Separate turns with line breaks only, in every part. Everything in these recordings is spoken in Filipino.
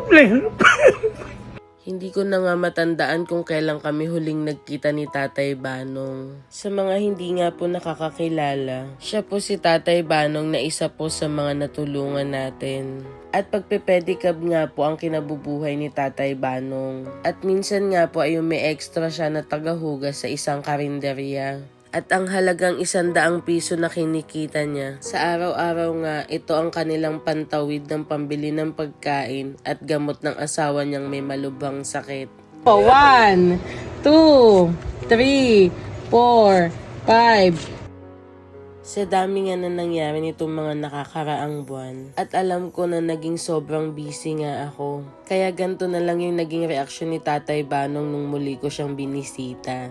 problema.
Hindi ko na nga matandaan kung kailan kami huling nagkita ni Tatay Banong. Sa mga hindi nga po nakakakilala, siya po si Tatay Banong na isa po sa mga natulungan natin. At pagpe-pedicab nga po ang kinabubuhay ni Tatay Banong. At minsan nga po ay may extra siya na tagahugas sa isang karinderya. At ang halagang 100 piso na kinikita niya. Sa araw-araw nga, ito ang kanilang pantawid ng pambili ng pagkain at gamot ng asawa niyang may malubhang sakit. 1, 2, 3, 4, 5. Sa dami nga na nangyari nitong mga nakakaraang buwan. At alam ko na naging sobrang busy nga ako. Kaya ganito na lang yung naging reaksyon ni Tatay Banong nung muli ko siyang binisita.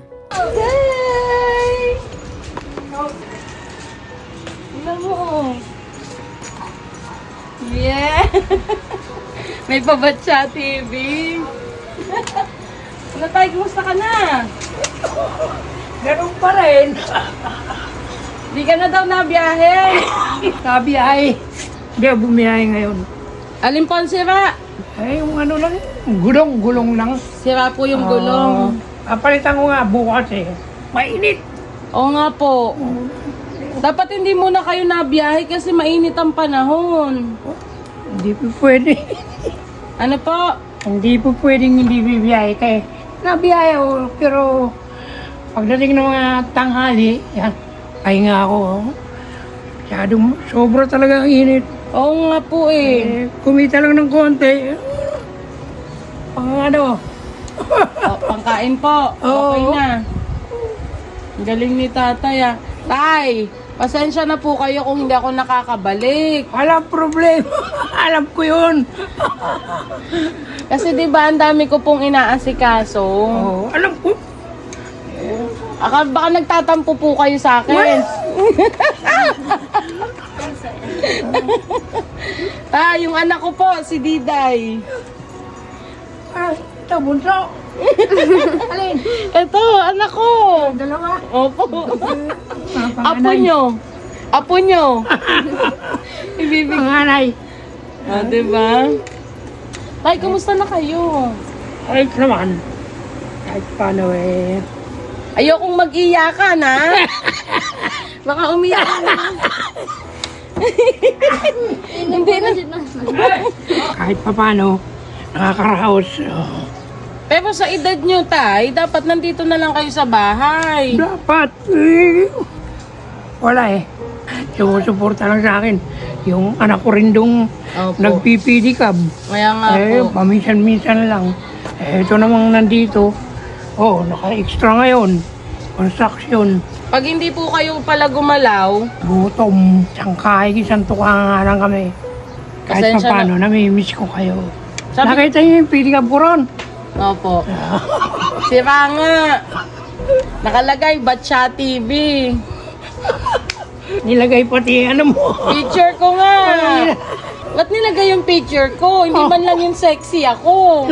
Tingnan mo. Yeah! May pabatsa TV. Ano tayo, kumusta ka na?
Ganun pa rin.
Di ka na daw nabiyahe.
Sabi ay, hindi ako bumiyahe ngayon.
Alin po ang sira?
Ay, yung ano lang, gulong lang.
Sira po yung gulong.
Papalitan ko nga bukas eh. Mainit.
Oo nga po. Dapat hindi muna kayo nabiyahe kasi mainit ang panahon.
Hindi po pwede.
Ano po?
Hindi po pwedeng hindi bibiyahe kaya nabiyahe ako. Pero pagdating ng mga tanghali, yan, pahinga ako. Sobra talaga ang init.
Oo nga po eh.
Kumita lang ng konti. Pang ano,
Pangkain po. Okay
Oo.
na. Ang galing ni tatay ah. Tay, pasensya na po kayo kung hindi ako nakakabalik.
walang problema. Alam ko yun.
Kasi di ba ang dami ko pong inaasikaso.
Oh, alam ko.
Baka nagtatampo po kayo sa akin. Yung anak ko po, si Diday.
Ito, bunso. Alin?
Ito, anak ko.
Dalawa.
Opo. Apo nyo. Apo nyo. Ibibig.
Panganay.
Diba? Tay, kumusta na kayo?
Ay, naman. Kahit paano eh.
Ayokong mag-iyakan, ha? Baka umiyak na. Hindi na.
Kahit pa paano, nakakaraos. Oh.
Pero sa edad nyo, tay, dapat nandito na lang kayo sa bahay.
Dapat. Eh, wala eh. Sumusuporta lang sa akin. Yung anak ko rin dong
Opo.
nagpipidikab.
Kaya nga po.
Paminsan-minsan lang. Ito namang nandito. Oh, naka-extra ngayon. Construction.
Pag hindi po kayo pala gumalaw,
Gutom. Sangkay, isang tuka nga lang kami. Kahit
Pasensya
pa paano, namimiss ko kayo.
Sabi-
Nakita niyo yung pidikab ko ron?
opo. Sira nga. Nakalagay, Batcha TV.
Nilagay pati ano mo.
Picture ko nga. Ba't nilagay yung picture ko? Hindi man lang yung sexy ako.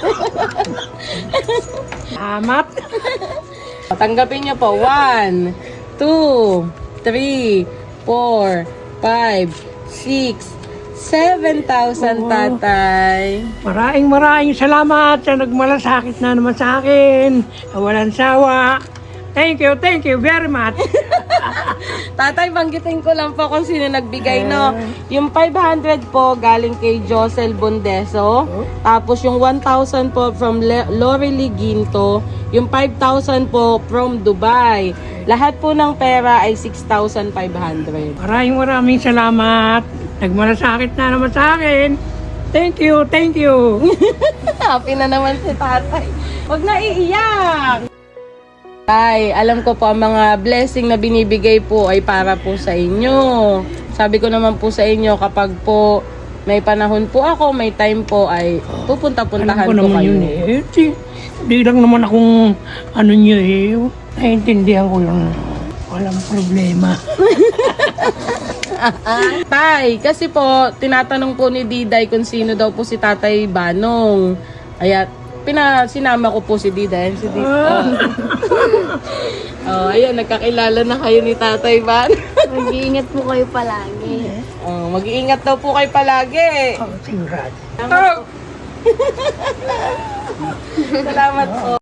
Amat.
Tanggapin niyo po. 1, 2, 3, 4, 5, 6, 7,000 tatay.
Maraming salamat sa nagmalasakit na naman sa akin. Walang sawa. Thank you very much.
Tatay, banggitin ko lang po kung sino nagbigay, no? Yung 500 po galing kay Josel Bondeso. Tapos yung 1,000 po from Lorely Ginto. Yung 5,000 po from Dubai. Lahat po ng pera ay 6,500.
Maraming salamat. Nagmalasakit na naman sa akin. Thank you.
Happy na naman si tatay. Huwag na iiyak. Tay, alam ko po ang mga blessing na binibigay po ay para po sa inyo. Sabi ko naman po sa inyo kapag po may panahon po ako, may time po ay pupunta-puntahan
Alam ko
po
naman
kayo.
yun eh. Di lang naman akong ano nyo eh. Naiintindihan ko yun. Walang problema.
Tay, kasi po tinatanong po ni Diday kung sino daw po si Tatay Banong. Kaya sinama ko po si Diday. Si Diday. Oh, ayun, nagkakilala na kayo ni Tatay Banong.
Mag-iingat po kayo palagi.
Oh, mag-iingat daw po kayo palagi.
Oh, sigurado.
Salamat po.